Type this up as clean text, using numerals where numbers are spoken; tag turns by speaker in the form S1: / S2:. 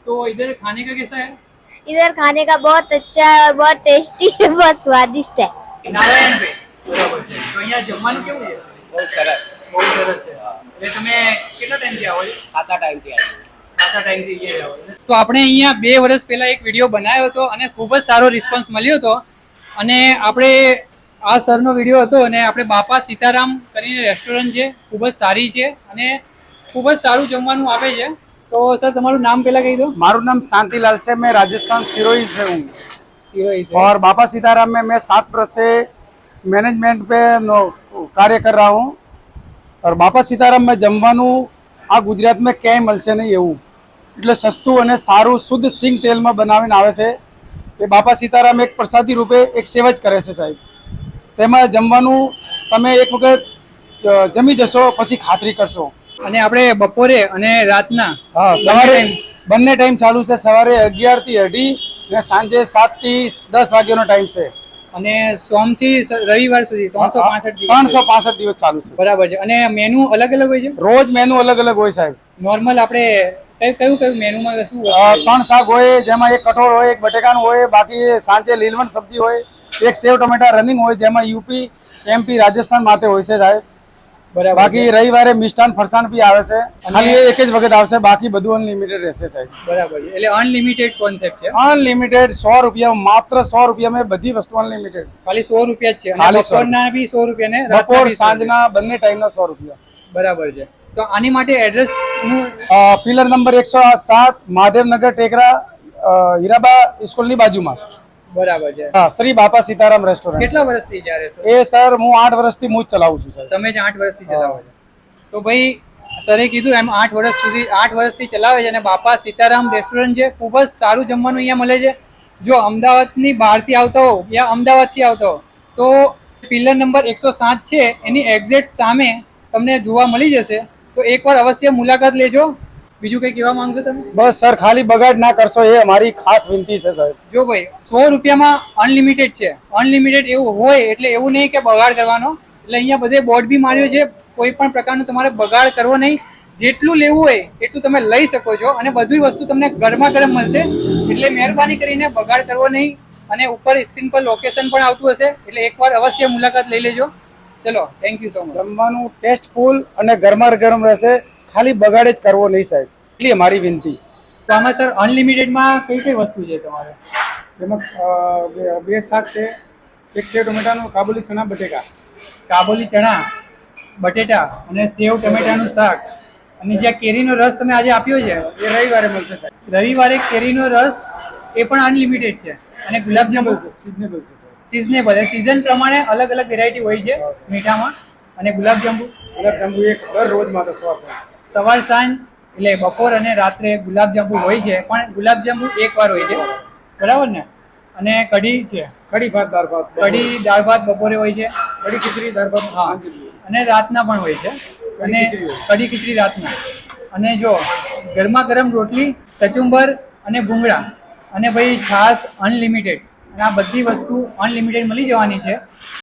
S1: तो इधर खाने का कैसा है?
S2: इधर खाने का बहुत अच्छा है और बहुत टेस्टी है, बहुत स्वादिष्ट है।
S1: નારાયણ पे બરાબર છે. તો અહીંયા જમવાનું કેવું છે?
S3: બહુ સરસ.
S1: બહુ સરસ છે. એટલે તમે કેટલા ટાઈમથી આવો છો?
S3: ખાતા ટાઈમથી આવ્યું.
S1: ખાસા ટાઈમથી અહીંયા આવો છો. તો આપણે અહીંયા 2 વર્ષ પહેલા એક વિડીયો બનાવ્યો હતો અને ખૂબ જ સારો રિસ્પોન્સ મળ્યો હતો અને આપણે આ સરનો વિડીયો હતો અને આપણે બાપા સીતારામ કરીને રેસ્ટોરન્ટ છે, ખૂબ જ સારી છે અને ખૂબ જ સારું જમવાનું આપે છે. તો સર તમારું નામ પહેલા કહી દો.
S4: मारू नाम शांतिलाल से, मैं राजस्थान सिरोही से हूँ
S1: સિરોહી છે.
S4: और बाबा सीताराम में मैं 7 वर्ष से मैनेजमेंट पे कार्य कर रहा हूँ और बापा सीताराम में जमवानू आ गुजरात में क्यांय मळशे नहीं एवं એટલે સસ્તું અને સારું શુદ્ધ સિંગ તેલમાં બનાવીને આવે છે. એ બાપા સીતારામ એક પ્રસાદી રૂપે એક સેવા જ કરે છે સાહેબ. તેમાં જમવાનું તમે એક વખત જમી જશો પછી ખાતરી કરશો.
S1: અને આપણે બપોરે અને રાતના
S4: હા, સવારે બંને ટાઈમ ચાલુ છે. સવારે 11 થી 2:30 અને સાંજે 7 થી 10 વાગ્યાનો ટાઈમ છે
S1: અને સોમથી રવિવાર સુધી 365 દિવસ
S4: 365 દિવસ ચાલુ છે.
S1: બરાબર છે. અને મેનુ અલગ અલગ હોય છે?
S4: રોજ મેનુ અલગ અલગ હોય સાહેબ.
S1: નોર્મલ આપણે કયું કયું મેનુમાં શું હોય?
S4: 3 શાક હોય, જેમાં એક કઠોળ હોય, એક બટેકાનું હોય, બાકી સાંજે લીલવણ સબ્જી હોય, એક સેવ ટમેટા રનિંગ હોય, જેમાં યુપી એમપી રાજસ્થાન માટે હોય છે સાહેબ.
S1: બરાબર.
S4: બાકી રવિવારે મિષ્ટાન ફરસાણ બી આવે છે. ખાલી એક જ વખત આવશે, બાકી બધું અનલિમિટેડ રહેશે સાહેબ.
S1: બરાબર છે. એટલે અનલિમિટેડ કોન્સેપ્ટ છે.
S4: અનલિમિટેડ 100 રૂપિયા, માત્ર 100 રૂપિયામાં બધી વસ્તુ અનલિમિટેડ.
S1: ખાલી 100 રૂપિયા જ છે. અને
S4: ખાલી 100
S1: બપોરના બી 100 રૂપિયા ને રાતના
S4: બપોર
S1: બી 100
S4: સાંજના બંને ટાઈમના 100 રૂપિયા.
S1: બરાબર છે. તો આની માટે એડ્રેસ નું
S4: પિલર નંબર 107 મહાદેવનગર ટેકરા, હીરાબા સ્કૂલની બાજુમાં છે.
S1: બરાબર છે.
S4: હા, શ્રી બાપા સીતારામ રેસ્ટોરન્ટ.
S1: કેટલા વર્ષથી જ્યારે છો?
S4: એ સર હું 8 વર્ષથી હું જ ચલાવું છું સર.
S1: તમે જ 8 વર્ષથી ચલાવો છો? તો ભાઈ સરે કીધું એમ 8 વર્ષથી ચલાવે છે અને બાપા સીતારામ રેસ્ટોરન્ટ છે. ખૂબ જ સારું જમવાનું અહીંયા મળે છે. જો અમદાવાદની બહારથી આવતા હો યા અમદાવાદથી આવતા હો તો પિલર નંબર 107 છે એની એક્ઝેક્ટ સામે તમને જોવા મળી જશે. તો એકવાર અવશ્ય મુલાકાત લેજો. બીજું કંઈ કહેવા માંગશો તમે?
S4: બસ સર, ખાલી બગાડ ના કરશો એ અમારી ખાસ વિનંતી છે સાહેબ.
S1: જો ભાઈ 100 રૂપિયામાં અનલિમિટેડ છે. અનલિમિટેડ એવું હોય એટલે એવું નહીં કે બગાડ કરવાનો. એટલે અહીંયા બધે બોર્ડ બી માર્યો છે. કોઈ પણ પ્રકારનો તમારે બગાડ કરવો નહીં. જેટલું લેવું હોય એટલું તમે લઈ શકો છો અને બધી વસ્તુ તમને ગરમા ગરમ મળશે. એટલે મહેરબાની કરીને બગાડ કરવો નહીં. અને ઉપર સ્ક્રીન પર લોકેશન પણ આવતું હશે એટલે એકવાર અવશ્ય મુલાકાત લઈ લેજો. ચલો, થેન્ક યુ સો મચ.
S4: જમવાનું ટેસ્ટફુલ અને ગરમા ગરમ રહેશે. ખાલી બગાડ જ કરવો નહીં સાહેબ, એટલી અમારી વિનંતી.
S1: તો આમાં સર અનલિમિટેડમાં કઈ કઈ વસ્તુ છે તમારે?
S4: જેમાં 2 શાક છે, એક સેવ ટમેટાનું, કાબુલી ચણા, બટેકા.
S1: કાબુલી ચણા, બટેટા અને સેવ ટમેટાનું શાક. અને જે કેરીનો રસ તમે આજે આપ્યો છે
S4: એ રવિવારે મળશે સાહેબ.
S1: રવિવારે કેરીનો રસ એ પણ અનલિમિટેડ છે. અને ગુલાબજાંબુ
S4: સિઝનેબલ છે સાહેબ.
S1: સિઝનેબલ છે. સિઝન પ્રમાણે અલગ અલગ વેરાયટી હોય છે મીઠામાં. અને ગુલાબજાંબુ
S4: એક રોજ માટે
S1: સવાર સાંજ એટલે બપોર અને રાત્રે ગુલાબજાંબુ હોય છે. પણ ગુલાબજાંબુ એકવાર હોય છે, બરાબર ને? અને કઢી છે,
S4: કઢી ભાત, દાળ ભાત.
S1: કઢી દાળ ભાત બપોરે હોય છે.
S4: કઢી ખીચડી, દાળ ભાત
S1: હા, અને રાતના પણ હોય છે. અને કઢી ખીચડી રાતના. અને જો ગરમા ગરમ રોટલી, કચુંબર અને ભૂંગળા અને ભાઈ છાશ અનલિમિટેડ. અને આ બધી વસ્તુ અનલિમિટેડ મળી જવાની છે.